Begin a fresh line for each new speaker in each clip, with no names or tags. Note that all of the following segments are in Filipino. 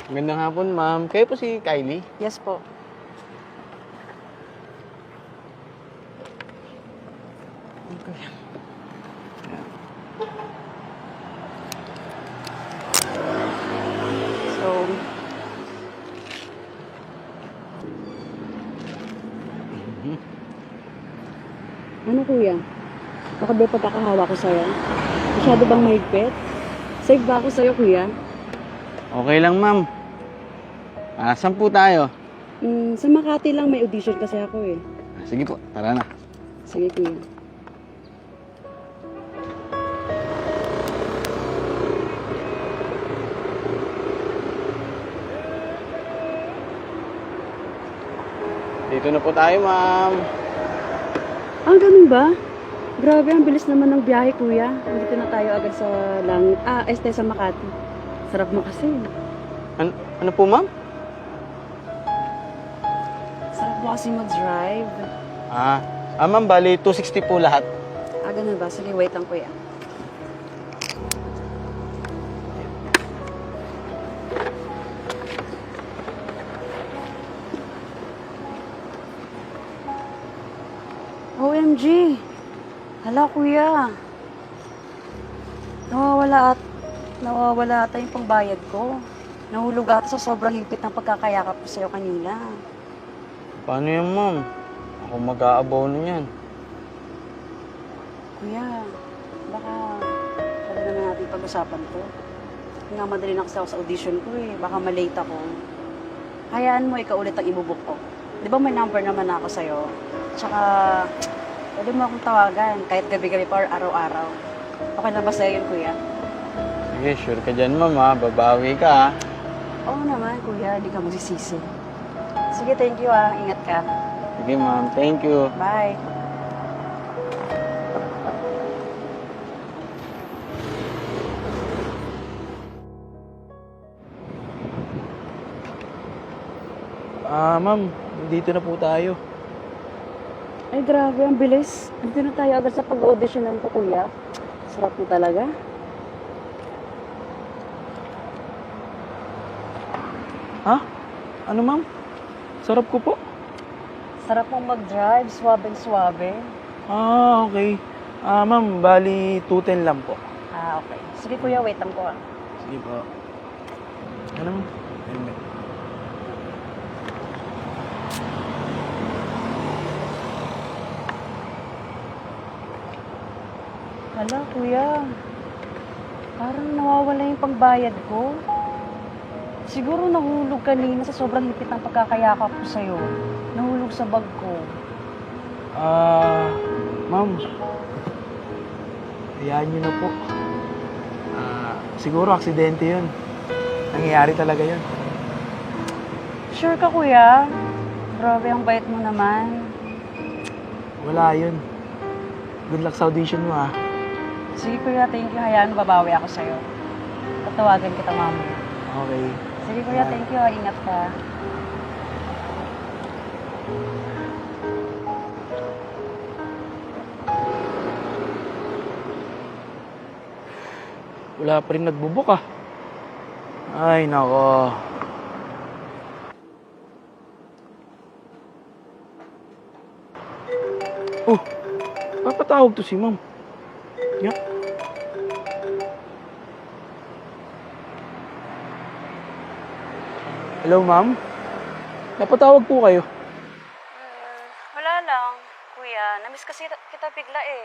Magandang hapon, ma'am. Kayo po si Kylie?
Yes po.
Okay.
So, ano kuya? Baka ba pagkakahawa ko sa'yo? Masyado bang mahigpit? Save ba ako sa'yo kuya?
Okay lang, ma'am. Saan po tayo?
Sa Makati lang may audition kasi ako eh.
Sige po, tara na.
Sige kuya.
Dito na po tayo, ma'am.
Ganun ba? Grabe, ang bilis naman ng biyahe kuya. Dito na tayo agad sa sa Makati. Sarap mo kasi.
Ano po, ma'am?
Sarap mo kasi mag-drive.
Ma'am, bali 260 po lahat.
Ganun ba? Sige, wait lang kuya. OMG! Hala kuya. Nawawala ata yung pangbayad ko. Nahulog ata sa sobrang higpit ng pagkakayakap ko sa'yo kanina.
Paano yan, ma'am? Ako mag-aabono niyan.
Kuya, baka pwede naman natin pag-usapan to. Nga madali na kasi ako sa audition ko eh. Baka malate ako. Hayaan mo, ikaw ulit ang ibubuk ko. Di ba may number naman ako sa'yo? Tsaka, pwede mo akong tawagan kahit gabi-gabi pa or araw-araw. Okay lang ba sa'yo yun, kuya?
Sige, sure ka dyan, ma'am, ha? Babawi ka, ha?
Oo naman, kuya. Hindi ka magsisisi. Sige, thank you ah. Ingat ka.
Sige, ma'am. Thank you.
Bye.
Ma'am, dito na po tayo.
Ay, grabe. Ang bilis. Dito na tayo agad sa pag-auditionan ko, kuya. Sarap mo talaga.
Ano, ma'am? Sarap ko po.
Sarap mong mag-drive. Suwabe-suwabe.
Okay. Ma'am, bali 210 lang po.
Okay. Sige, kuya. Wait lang po ah.
Sige po. Ano, ma'am? Helmet.
Hala, kuya. Parang nawawala yung pangbayad ko. Siguro nahulog kanina sa sobrang hipit ng pagkakayakap ko sa'yo. Nahulog sa bag ko.
Ma'am. Hayaan niyo na po. Siguro aksidente yun. Nangyayari talaga yun.
Sure ka, kuya? Grabe, ang bait mo naman.
Wala yun. Good luck sa audition mo, ha?
Sige, kuya. Thank you. Hayaan, babawi ako sa'yo. Tatawagan kita mamaya.
Okay.
Sige, kuya. Thank you. Ingat ka.
Wala pa rin nagbubuk, ah. Ay, nako. Oh, papatawag to si ma'am. Yeah. Hello, ma'am? Napatawag po kayo.
Wala lang, kuya. Namiss kasi kita bigla eh.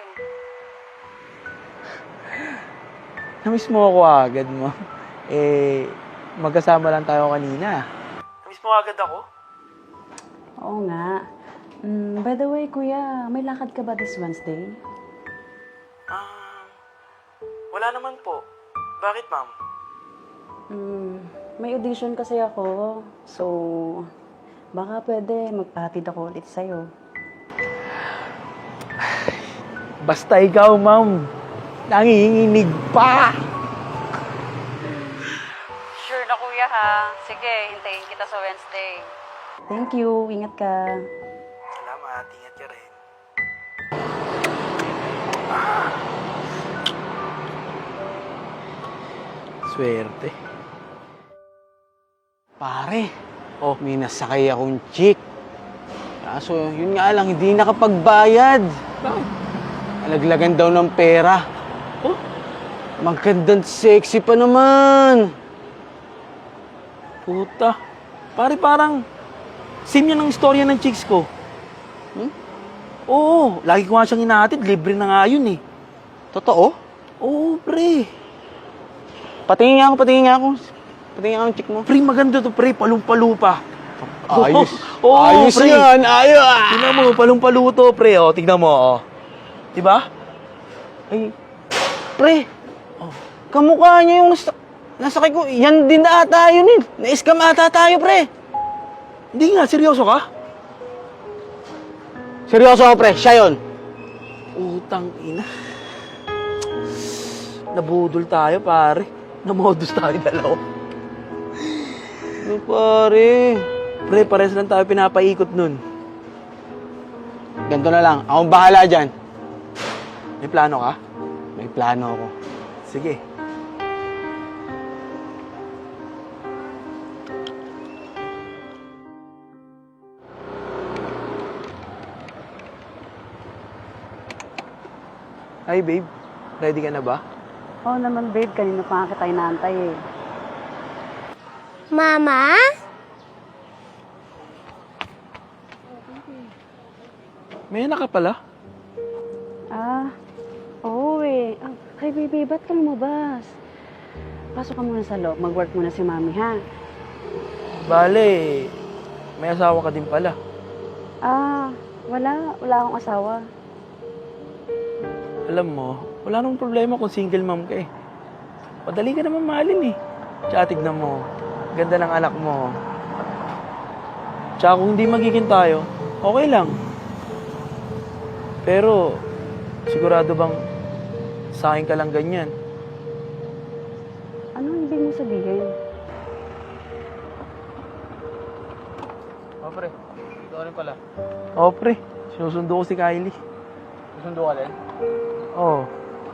Namiss mo ako agad, ma'am. Magkasama lang tayo kanina. Namiss mo agad ako?
Oo nga. By the way, kuya, may lakad ka ba this Wednesday?
Wala naman po. Bakit, ma'am?
May audition kasi ako. So, baka pwede magpahatid ako ulit sa'yo.
Basta ikaw, ma'am. Nanginginig pa!
Sure na kuya ha. Sige, hintayin kita sa Wednesday. Thank you. Ingat ka.
Salamat. Ingat ka rin. Swerte.
Pare,
Oh,
may nasakay akong chick. Kaso, yun nga lang, hindi nakapagbayad.
bakit?
Alaglagan daw ng pera.
Oh,
Magandang sexy pa naman.
puta. Pare, parang same yan ang istorya ng chicks ko.
Hmm?
Oo, lagi ko nga siyang inahatid. Libre na nga yun eh.
Totoo?
Oo, pre.
Patingin nga ako. Patingin nga ang chick mo.
Pre, maganda to, pre. Palong-palupa.
Ayos.
Oo,
Ayos
pre.
yan. Ayos.
Tingnan mo, palong-paluto, pre. O, tingnan mo, o. Diba?
Ay, pre. Kamukha niya yung nasakay ko. Yan din na ata yun eh. Na-scam ata tayo, pre.
Hindi nga, seryoso ka?
Seryoso ako, pre. Siya yun.
Utang ina. Nabudol tayo, pare. Namodus tayo dalawa.
Ano, pare?
Pre, pares lang tayo pinapaikot nun.
Ganito na lang. Akong bahala dyan.
May plano ka?
May plano ako.
Sige. Hi, babe. Ready ka na ba?
Oo naman, babe. Kanina pa nga kita inaantay eh.
Mama?
May anak ka pala?
Oo eh. Ay, baby, ba't ka lumabas? Pasok ka muna sa loob. Mag-work muna si mami, ha?
Bale, may asawa ka din pala.
Wala. Wala akong asawa.
Alam mo, wala nang problema kung single mom ka eh. Madali ka naman mahalin eh. Tsaka tignan mo, ganda ng anak mo. Tsaka kung hindi magiging tayo, okay lang. Pero, sigurado bang sa akin ka lang ganyan?
Anong ibig mo sabihin?
Oh, pre. Ito rin pala.
Oo, pre. Sinusundo ko si Kylie.
Susundo ka din?
Oo.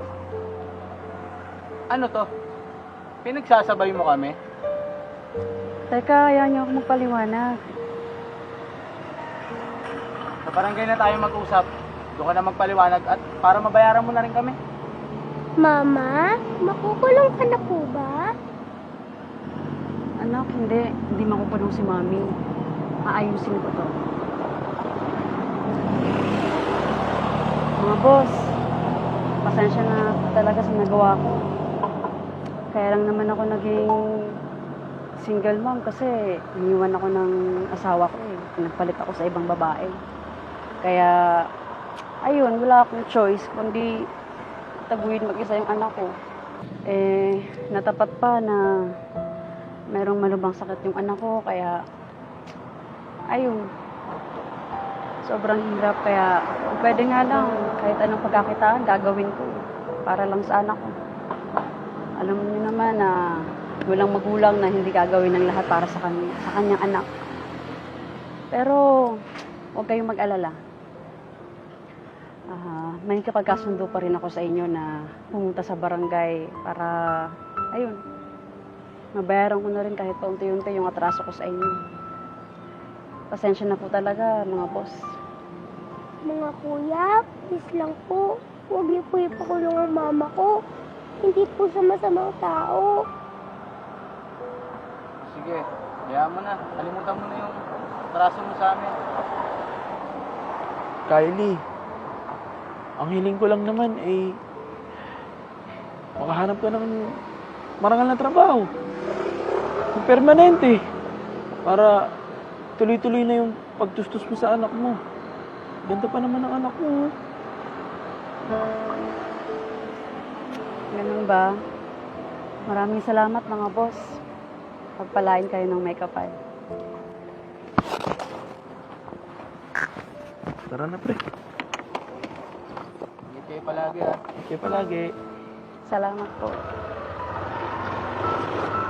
Ano to? Pinagsasabay mo kami?
Teka, ayaw niyo ako magpaliwanag.
Sa barangay na tayo mag-usap. Doon ka na magpaliwanag at para mabayaran mo na rin kami.
Mama? Makukulong ka na po ba?
Anak, hindi. Hindi makukulong si mami. Aayusin ko to. Mga boss, pasensya na talaga sa nagawa ko. Kaya lang naman ako naging single mom kasi iniwan ako ng asawa ko eh. Nagpalit ako sa ibang babae. Kaya, ayun, wala akong choice kundi taguin mag-isa yung anak ko. Eh, natapat pa na merong malubhang sakit yung anak ko, kaya, ayun, sobrang hirap. Kaya, kung pwede nga lang, kahit anong pagkakitaan, gagawin ko para lang sa anak ko. Alam niyo naman na walang magulang na hindi gagawin ng lahat para sa kanyang anak. Pero, huwag kayong mag-alala. May kapagkasundo pa rin ako sa inyo na pumunta sa barangay para, ayun, mabayaran ko na rin kahit paunti-unti yung atraso ko sa inyo. Pasensya na po talaga, mga boss.
Mga kuya, please lang po. Huwag niyo po ipakulong ang mama ko. Hindi po siya masamang tao.
Sige, hayaan mo na. Kalimutan mo na yung traso mo sa amin.
Kylie, ang hiling ko lang naman ay makahanap ka ng marangal na trabaho. Yung permanente. Para tuloy-tuloy na yung pagtustos mo sa anak mo. Ganda pa naman ang anak mo.
Ganun ba? Maraming salamat, mga boss. Pagpalain kayo ng may kapal.
Tara na, pre.
Ingat kayo palagi, ha.
Okay palagi.
Salamat po.